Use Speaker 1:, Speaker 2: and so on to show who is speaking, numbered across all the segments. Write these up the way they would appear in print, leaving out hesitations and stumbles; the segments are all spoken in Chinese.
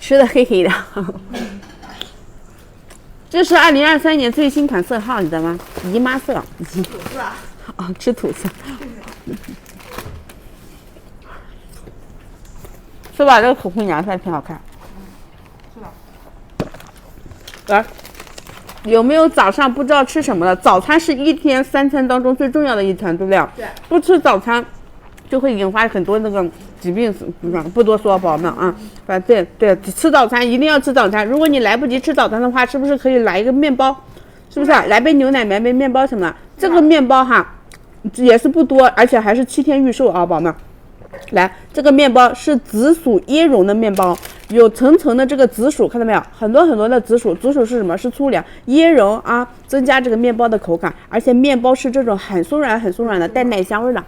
Speaker 1: 吃的黑黑的。这是2023年最新款色号，你知道吗？姨妈色。
Speaker 2: 吐司啊？
Speaker 1: 啊，吃吐司。是吧？这个口红颜色挺好看。
Speaker 2: 是的。
Speaker 1: 来，有没有早上不知道吃什么的？早餐是一天3餐当中最重要的一餐，对不对？
Speaker 2: 对。
Speaker 1: 不吃早餐，就会引发很多那个疾病，不多说，宝宝们啊。对，吃早餐一定要吃早餐。如果你来不及吃早餐的话，是不是可以来一个面包？是不是？来杯牛奶，来杯面包什么的。这个面包哈，也是不多，而且还是7天预售啊，宝宝们。来，这个面包是紫薯椰蓉的面包，有层层的这个紫薯，看到没有？很多很多的紫薯，紫薯是什么？是粗粮，椰蓉啊，增加这个面包的口感，而且面包是这种很松软、很松软的，带奶香味的。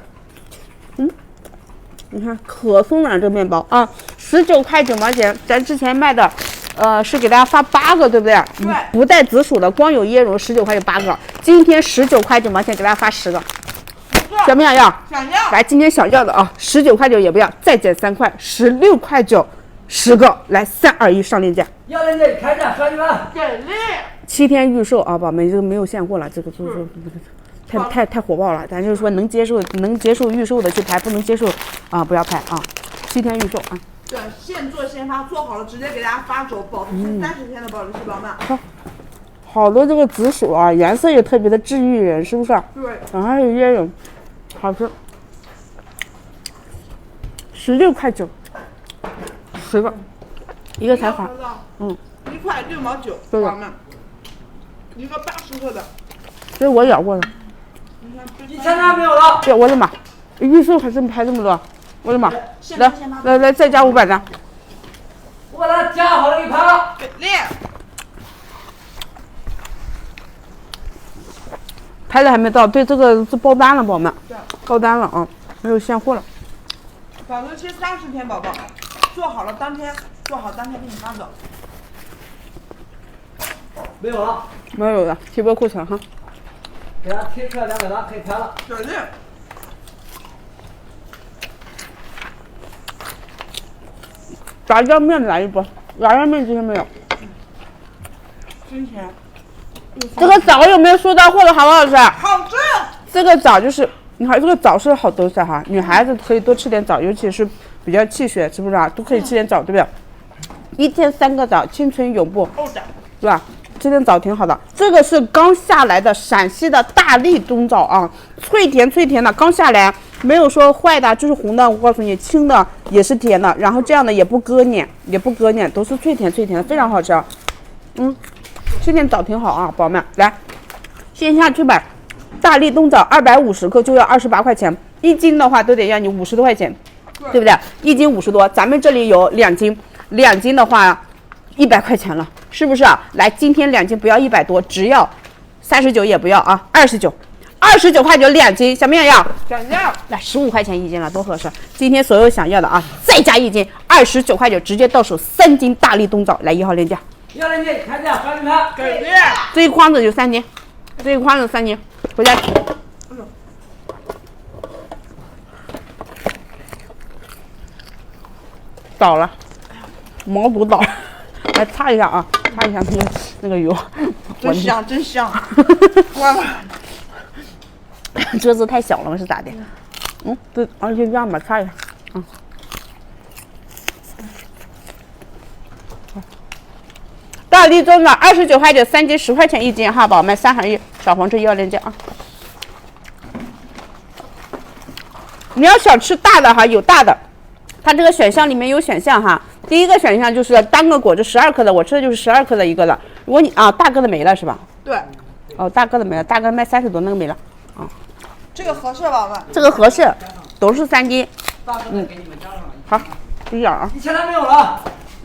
Speaker 1: 你看可松软这个面包啊，19块9毛钱，咱之前卖的，是给大家发8个，对不对？
Speaker 2: 对。
Speaker 1: 不带紫薯的，光有椰蓉，19块9 8个，今天19块9毛钱给大家发10个。想不想要？
Speaker 2: 想要。
Speaker 1: 来，今天想要的啊，19块9也不要，再减3块，16块9，10个。来，3、2、1上链接。
Speaker 3: 要链接开着，兄弟们。
Speaker 2: 给力
Speaker 1: ！7天预售啊，宝贝们，这个没有现货了，这个太火爆了。咱就是说能接受预售的去排，不能接受啊不要排啊。7天预售啊。
Speaker 2: 对，现做现发，做好了直接给大家发走，保质期30天的保质期，宝们。
Speaker 1: 好多这个紫薯啊，颜色也特别的治愈人，是不是？
Speaker 2: 对。
Speaker 1: 还有椰蓉，好吃。16块9，10个，一个才好。
Speaker 2: 1块6毛9，宝宝们。一个80克的。
Speaker 1: 这是我咬过的。
Speaker 3: 1000张没有了。
Speaker 1: 对，我的妈，预售还这么多，我的妈！来，再加500张。
Speaker 3: 我把它加好了给你拍了。
Speaker 2: 给力！
Speaker 1: 拍的还没到，对，这个是爆单了，宝宝们。对。爆单了啊，没有现货了。
Speaker 2: 保质期30天，宝宝，做好当天给你发走。
Speaker 3: 没有了。
Speaker 1: 没有了，提拨库存哈。
Speaker 3: 给他贴出来200张，可以拍了。
Speaker 2: 给力！
Speaker 1: 炸酱面来一波，炸酱面今天没有。
Speaker 2: 今天。
Speaker 1: 这个枣有没有收到货的好不好吃？
Speaker 2: 好吃。
Speaker 1: 这个枣就是，你看这个枣是好东西哈，女孩子可以多吃点枣，尤其是比较气血，是不是啊？都可以吃点枣，对不对？1天3个枣，青春永不，是吧？吃点枣挺好的。这个是刚下来的陕西的大荔冬枣啊，脆甜的，刚下来，没有说坏的，就是红的。我告诉你，青的也是甜的，然后这样的也不割黏，都是脆甜的，非常好吃。吃点枣挺好啊，宝宝们，来线下去买大荔冬枣250克就要28块钱，1斤的话都得要你50多块钱，对不对？1斤50多，咱们这里有2斤，2斤的话100块钱了，是不是啊？来，今天2斤不要100多，只要39也不要啊，29块92斤，想不想要？
Speaker 2: 想要。
Speaker 1: 来15块钱1斤了，多合适！今天所有想要的啊，再加1斤，29块9，直接到手3斤大荔冬枣，来1号链接。
Speaker 3: 要链接开着，兄弟们。
Speaker 2: 给力！
Speaker 1: 这一筐子就3斤，回家吃。倒了，毛肚倒了，来擦一下啊，擦一下那个油。
Speaker 2: 真香！关了。
Speaker 1: 桌子太小了吗？是咋的？对，而且这样吧，擦一下。大荔冬枣29块9，3斤10块钱1斤哈，宝宝们，3合1，小黄车1号链接啊。你要想吃大的哈，有大的，它这个选项里面有选项哈。第一个选项就是单个果汁12克的，我吃的就是12克的一个的。如果你大个的没了是吧？
Speaker 2: 对。
Speaker 1: 大个的没了，大个卖30多，那个没了。
Speaker 2: 这个合适，宝宝们。
Speaker 1: 这个合适，都是3斤。
Speaker 3: 大个的给你们加上了。
Speaker 1: 好，这样啊。
Speaker 3: 1000张没有了。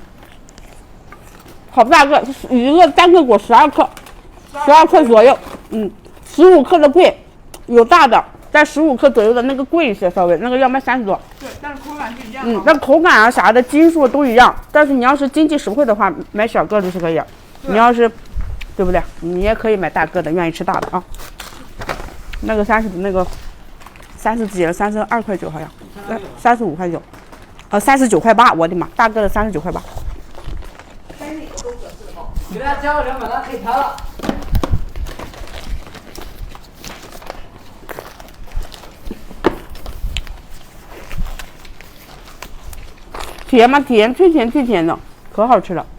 Speaker 1: 好大个，一个单个果12克，12克左右，15克的贵，有大的，在15克左右的那个贵一些，稍微那个要卖30多。
Speaker 2: 对，但是口感是一样的。
Speaker 1: 那口感啊啥的斤数都一样，但是你要是经济实惠的话，买小个就是可以。你要是，对不对？你也可以买大个的，愿意吃大的啊。那个30几了，32块9好像，35块9，39块8，我的妈，大个的39块8。
Speaker 3: 给大家加个200，咱可以拍了。
Speaker 1: 甜吗？甜，脆甜脆甜的，可好吃了。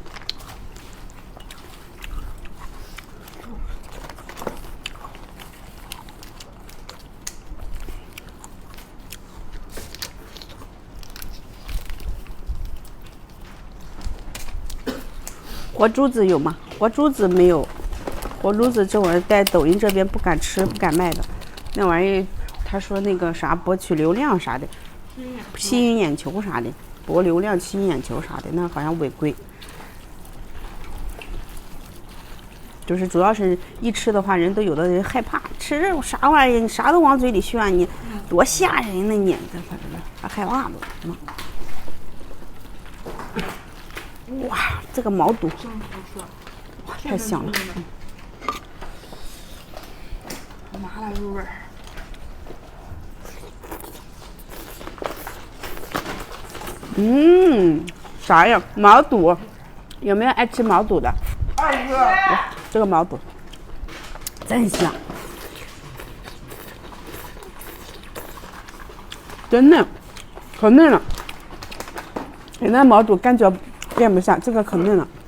Speaker 1: 活珠子有吗？活珠子没有，活珠子这玩意儿在抖音这边不敢吃、不敢卖的，那玩意儿他说那个啥博取流量啥的，吸引眼球啥的，博流量、吸引眼球啥的，那好像违规。就是主要是一吃的话，人都有的人害怕吃这种啥玩意儿，你啥都往嘴里炫，你多吓人呢你，这反正还害怕都。哇，这个毛肚，哇，太香了。
Speaker 2: 麻辣入味儿。
Speaker 1: 啥呀？毛肚，有没有爱吃毛肚的？
Speaker 2: 爱吃。
Speaker 1: 这个毛肚真香，真嫩，可嫩了。你那毛肚感觉变不下，这个可嫩了。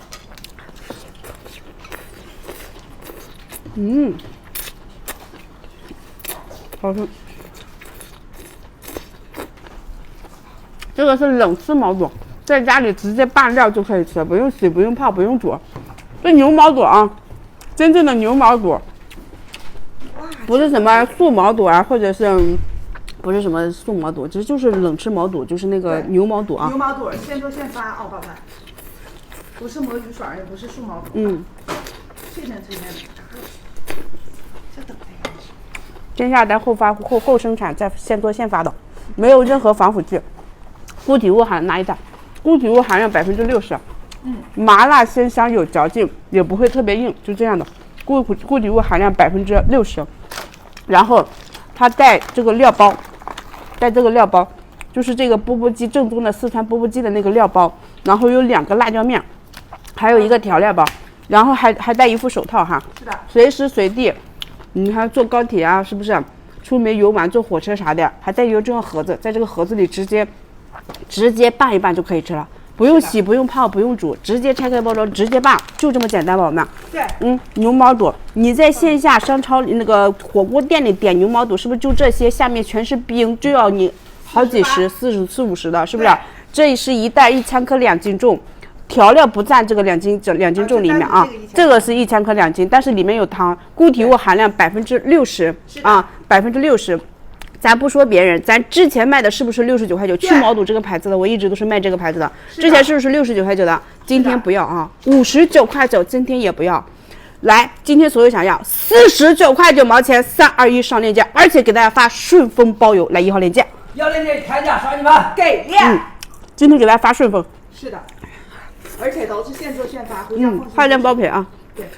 Speaker 1: 好吃。这个是冷吃毛肚，在家里直接拌料就可以吃，不用洗，不用泡，不用煮。这牛毛肚啊，真正的牛毛肚，不是什么素毛肚啊，或者是不是什么素毛肚，就是冷吃毛肚，就是那个牛毛肚啊。
Speaker 2: 牛毛肚现做现发哦，宝贝，不是魔芋爽，也不是素毛肚。脆嫩脆嫩的。这等的
Speaker 1: 先下单后发后生产，再现做现发的，没有任何防腐剂，固体物含拿一袋，固体物含量60%。麻辣鲜香有嚼劲，也不会特别硬，就这样的。固体物含量60%，然后它带这个料包，就是这个钵钵鸡正宗的四川钵钵鸡的那个料包，然后有2个辣椒面，还有一个调料包，然后还带一副手套哈，
Speaker 2: 是的，
Speaker 1: 随时随地，你看坐高铁啊，是不是？出门游玩坐火车啥的，还带一个这种盒子，在这个盒子里直接拌一拌就可以吃了。不用洗，不用泡，不用煮，直接拆开包装，直接拌，就这么简单，宝宝们。
Speaker 2: 对。
Speaker 1: 牛毛肚，你在线下商超那个火锅店里点牛毛肚，是不是就这些？下面全是冰，就要你好几十、40、50的，是不是？这是一袋1000克2斤重，调料不占这个2斤重里面啊。这个是1000克2斤，但是里面有糖，固体物含量60%啊，60%。咱不说别人，咱之前卖的是不是69块9？去毛肚这个牌子的，我一直都是卖这个牌子的。之前是不是69块9的？今天不要啊，59块9，今天也不要。来，今天所有想要49块9毛钱，3、2、1上链接，而且给大家发顺丰包邮，来1号链接。
Speaker 3: 要链接开价，刷你们。
Speaker 2: 给力。
Speaker 1: 今天给大家发顺丰。
Speaker 2: 是的，而且都是现做现发，回家放心。
Speaker 1: 快件包赔啊。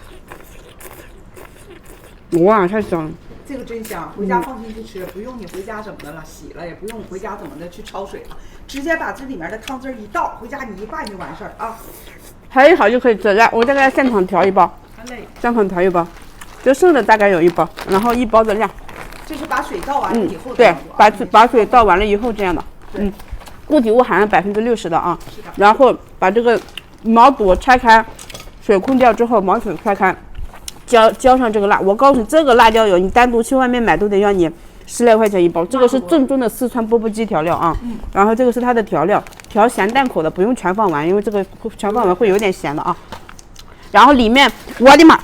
Speaker 2: 对。
Speaker 1: 哇，太香了。
Speaker 2: 这个真香，回家放心去吃，不用你回家怎么的了洗了，也不用回家怎么的去焯水了，直接把这里面的汤汁一倒，回家你一拌就完事儿啊。
Speaker 1: 调一好就可以吃，来，我再给大家现场调一包，现场调一包，就剩的大概有1包，然后1包的量。
Speaker 2: 这是把水倒完了以后。
Speaker 1: 对，把水倒完了以后这样的。固体物含量60%的啊。然后把这个毛肚拆开，水控掉之后，毛水拆开。浇上这个辣，我告诉你，这个辣椒油你单独去外面买都得要你10来块钱1包，这个是正宗的四川钵钵鸡调料啊。然后这个是它的调料，调咸淡口的，不用全放完，因为这个全放完会有点咸的啊。然后里面，我的妈，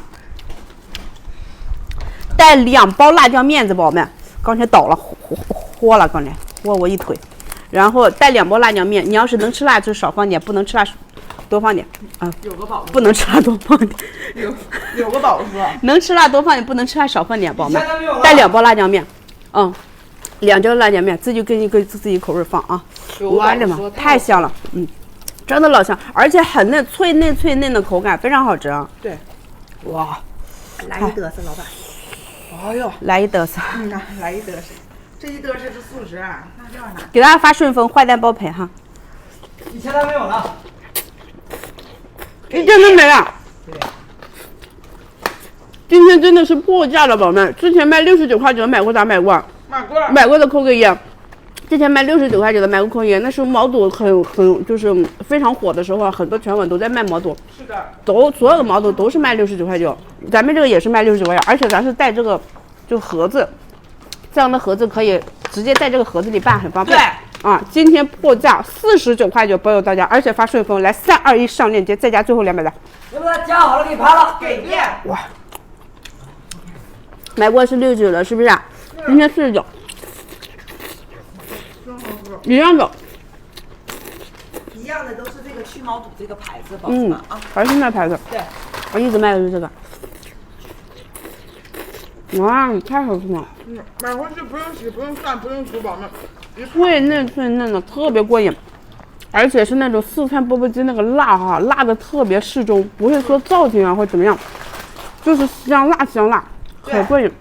Speaker 1: 带2包辣椒面子，宝宝们，刚才倒了，豁了，刚才豁我一腿。然后带2包辣椒面，你要是能吃辣就少放点，不能吃辣多放点啊。
Speaker 2: 有个宝，
Speaker 1: 不能吃辣多放点。
Speaker 2: 有个宝哥，
Speaker 1: 能吃辣多放点，不能吃辣少放点，宝宝们。带2包辣椒面，2包辣椒面，自己根据自己口味放啊。我的妈，太香了，真的老香，而且很嫩，脆嫩的口感，非常好吃啊。
Speaker 2: 对，
Speaker 1: 哇，
Speaker 2: 来一嘚瑟，老板。哎呦，
Speaker 1: 来一嘚瑟。
Speaker 2: 来一嘚瑟，这一嘚瑟是素食，那这样的。
Speaker 1: 给大家发顺丰，坏蛋包赔哈。
Speaker 3: 1000单没有了，
Speaker 1: 1件都没了。
Speaker 3: 对。
Speaker 1: 今天真的是破价了，宝宝们！之前卖69.9的买过咋买过？买过的扣个一。之前卖69.9的买过扣一，那时候毛肚很就是非常火的时候，很多全网都在卖毛肚。
Speaker 2: 是的，
Speaker 1: 所有的毛肚都是卖69.9，咱们这个也是卖69.9，而且咱是带这个就盒子，这样的盒子可以直接在这个盒子里拌，很方便。
Speaker 2: 对。
Speaker 1: 啊，今天破价49.9包邮到家，而且发顺丰，来3、2、1上链接，再加最后200的。
Speaker 3: 要不然夹好了给盘了。
Speaker 2: 给面。
Speaker 1: 哇，买过是69的，是不是啊？今天49，一样的。
Speaker 2: 一样的都是这个去毛肚这个牌子，宝宝们啊。
Speaker 1: 还是那牌子。
Speaker 2: 对。
Speaker 1: 我一直卖的是这个。哇，太好吃了！
Speaker 4: 买回去不用洗，不用涮，不用煮，宝们。
Speaker 1: 脆嫩的，特别过瘾，而且是那种四川钵钵鸡那个辣哈，辣的特别适中，不会说燥挺啊或怎么样，就是香辣，很过瘾。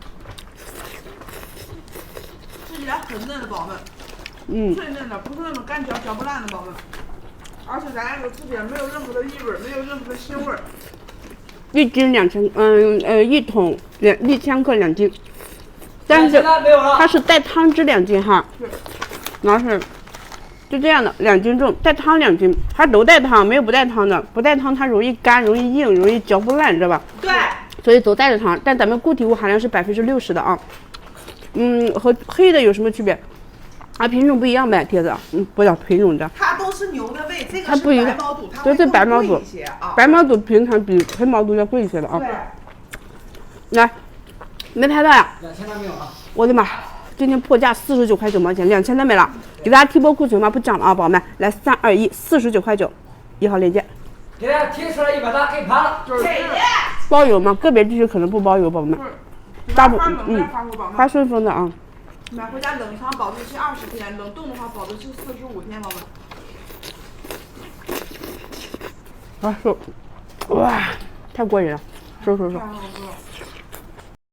Speaker 4: 吃起来很嫩的，宝们。脆嫩的，不是那种干嚼不烂的，宝们。而且咱那个吃起来没有任何的异味，没有任何的腥味。
Speaker 1: 1斤1桶1000克2斤，但是它是带汤汁2斤哈，然后是就这样的2斤重，带汤2斤，它都带汤，没有不带汤的，不带汤它容易干，容易硬，容易嚼不烂，知道吧？
Speaker 2: 对，
Speaker 1: 所以都带着汤，但咱们固体物含量是60%的啊。和黑的有什么区别？啊，品种不一样呗，贴子。不叫品种的。
Speaker 2: 它都是牛的胃，这个是
Speaker 1: 它不一样
Speaker 2: 白毛肚，它
Speaker 1: 对，这白毛肚
Speaker 2: 会贵一些啊。
Speaker 1: 白毛肚平常比黑毛肚要贵一些的啊。
Speaker 2: 对。
Speaker 1: 来，没拍到呀？
Speaker 3: 2000的没有啊？
Speaker 1: 我的妈！今天破价49.9毛钱，2000的没了。给大家提波库存吗？不讲了啊，宝宝们。来，3、2、1，49.9，1号链接。
Speaker 3: 给大家提出来100单给盘了。
Speaker 2: 给的。
Speaker 1: 包邮吗？个别地区可能不包邮，宝宝们。大部发顺丰的啊。
Speaker 4: 买回家冷藏保质期20天，冷冻的话保质期45天，宝们。
Speaker 1: 哇，太过瘾了，收。
Speaker 4: 太好吃了。